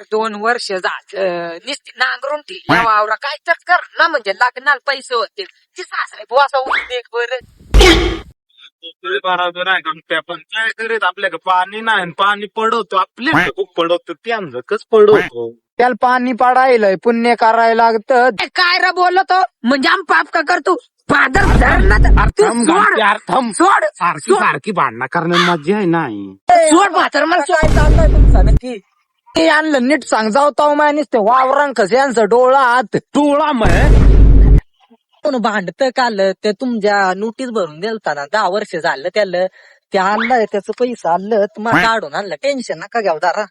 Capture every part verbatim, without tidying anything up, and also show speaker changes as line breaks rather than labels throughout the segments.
दोन वर्ष झालं नुसती नांगरून ठेवली वावरा काय तर कर ना म्हणजे लग्नाला पैसे होते ती सासरे बुवासा उद्योग बरं
बरोबर आहे का पण काय करीत आपल्याकडे पाणी नाही पाणी पडवतो आपल्या खूप पडवतो त्यांचं कस पडवतो
त्याला पाणी पाडायलंय पुण्य करायला लागतं.
काय रे बोलतो म्हणजे आम पाप का करतो फादर धरणार तू सोड
अर्थम
सोड
सारखी सारखी भांडणं करण्यात मजा आहे नाही
सोड म्हातार मला सोड.
काय चाललंय तुमचं नक्की ते आणलं नीट सांग जाऊ ताव मानीस ते वावरांक कस यांचं डोळा आत
टोळा मग
कोण भांडत काल ते तुमच्या नोटीस भरून दिलता ना दहा वर्ष झालं त्याला ते आणलंय त्याचं पैसा आणलं तुम्हाला काढून आणलं टेन्शन नका घ्याव दारा.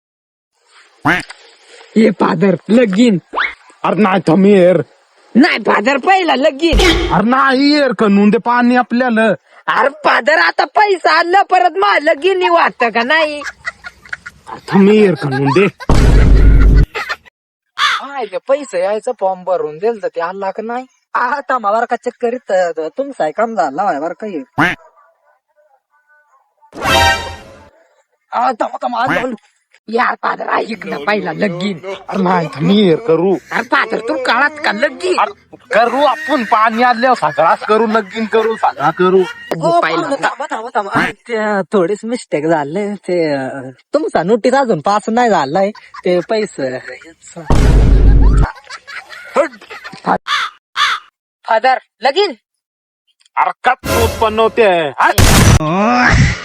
हे फादर लगीन
अरे नाही थमीर
नाही फादर पहिला लगीन
अरे नाही येर कनून ते पाणी आपल्याला
अरे फादर आता पैसा आणलं परत मा लगीन वाटत का नाही
थमीर कनून दे
काय ते पैसे यायचं फॉर्म भरून दिल तर ते आणला का नाही आता मला का चेक करीत तुमचा काम झाला बरं काही
यार फादर ऐक ना पहिला लगीन
अरे नाही थमीर करू
अरे फादर तू काळात का लगीन
अरे करू आपण पाणी आल्यावर सगळाच करू लगीन करू सगळा करू
ते थोडीच मिस्टेक झाले ते अं, तुमचा नोटीस अजून पास नाही झालाय ते पैसे
फादर लगीन
अरे कट उत्पन्न होते